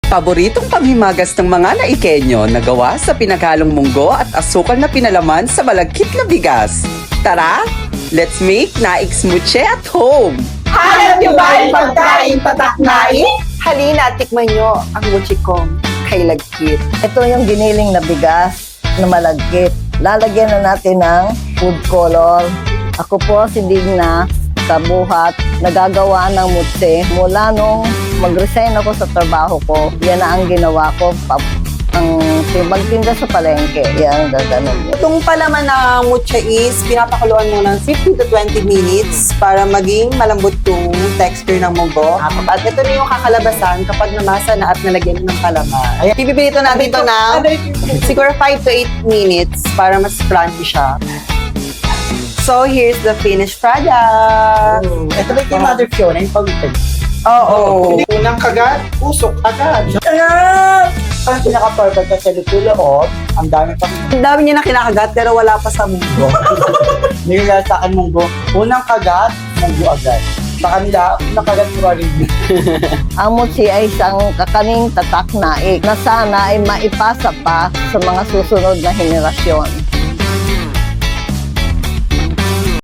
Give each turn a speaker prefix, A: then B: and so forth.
A: Paboritong panghimagas ng mga Naikenyo na gawa sa pinaghalong munggo at asukal na pinalaman sa malagkit na bigas. Tara, let's make Naik Smoothie at home!
B: Hanap niyo ba ang pagkain tatak nai?
C: Halina, tikman nyo ang muchikong kay lagkit.
D: Ito yung giniling na bigas na malagkit. Lalagyan na natin ng food color. Ako po si Digna Kabuhat, nagagawa ng mutsi. Mula nung mag-resign ako sa trabaho ko, yan na ang ginawa ko. Ang magtinda sa palengke, yan gaganon.
C: Itong palaman na mucha is pinapakuluan mo ng 15 to 20 minutes para maging malambot yung texture ng munggo. At ito na yung kakalabasan kapag namasa na at nalagyan ng palaman. Ayan. Pipipilito natin ito na siguro 5 to 8 minutes para mas crunchy siya. So, here's the finished product.
B: Ito ba yung Mother Fiona, yung pag-ibig?
C: Oo.
B: Unang kagat, usok agad. Ang pinaka-perfect na sa loob, ang dami pang
C: Ang dami niya na kinakagat pero wala pa sa munggo.
B: nilala sa akin munggo. Unang kagat, munggo agad. Sa kanila, unang kagat mo rin.
D: Ang mutsi ay isang kakaning tatak naik na sana ay maipasa pa sa mga susunod na henerasyon.